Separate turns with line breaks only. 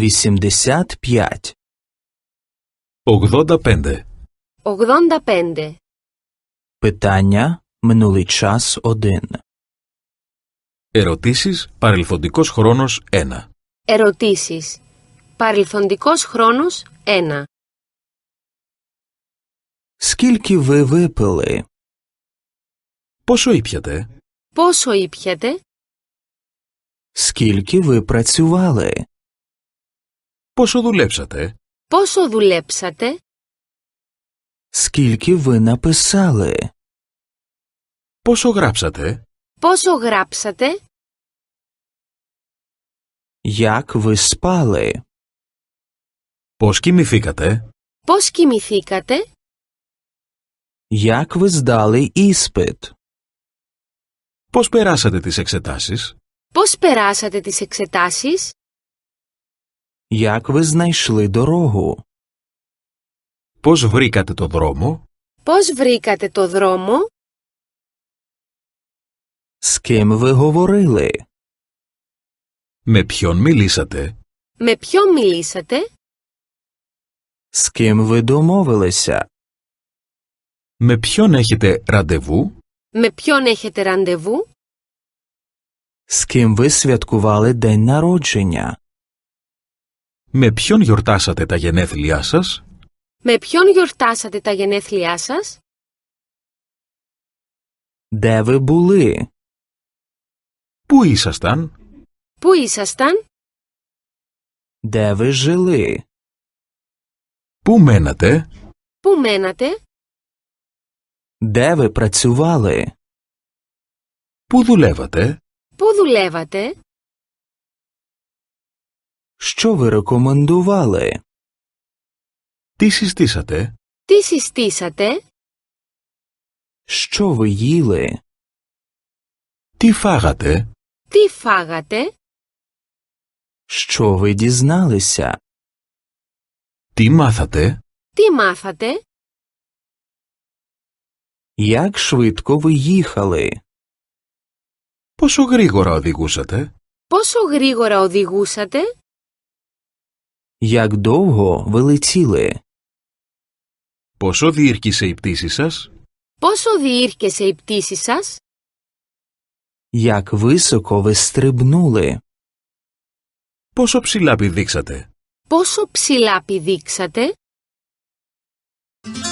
85.
85.
85.
Питання минулий час 1.
Ερωτήσεις παρελθοντικός χρόνος 1.
Ερωτήσεις. Παρελθοντικός χρόνος 1.
Скільки ви випили?
Πόσο ήπιατε?
Πόσο ήπιατε?
Скільки ви працювали?
Πόσο δουλέψατε?
Πόσο δουλέψατε?
Скільки ви написали?
Πόσο γράψατε?
Πόσο γράψατε?
Як ви спали?
Πώς κοιμηθήκατε?
Πώς κοιμηθήκατε?
Як ви здали іспит?
Πώς περάσατε τις εξετάσεις?
Πώς περάσατε τις εξετάσεις?
Як ви знайшли дорогу?
Πώς βρήκατε το δρόμο?
Πώς βρήκατε το δρόμο?
З ким ви говорили?
Με ποιον μιλήσατε?
Με ποιον μιλήσατε?
З ким ви домовилися?
Με ποιον έχετε ραντεβού?
Με ποιον έχετε ραντεβού?
З ким ви святкували день народження?
Με ποιον γιορτάσατε τα γενέθλιά σας?
Με ποιον γιορτάσατε τα γενέθλιά σας?
Де ви були?
Πού ήσασταν?
Πού ήσασταν?
Де ви жили?
Πού μένατε?
Πού μένατε?
Де ви працювали?
Πού δουλεύατε?
Πού δουλεύατε?
Що ви рекомендували?
Τι συστήσατε?
Τι συστήσατε?
Що ви їли?
Τι φάγατε?
Τι φάγατε?
Що ви дізналися?
Τι μάθατε?
Τι μάθατε?
Як швидко ви їхали?
Πόσο γρήγορα οδηγούσατε?
Πόσο γρήγορα οδηγούσατε?
Як довго ви летіли?
Πόσο διήρκησε η πτήση σας?
Πόσο διήρκεσε η πτήση σας?
Як високо ви стрибнули?
Πόσο ψηλά πηδήξατε?
Πόσο ψηλά πηδήξατε?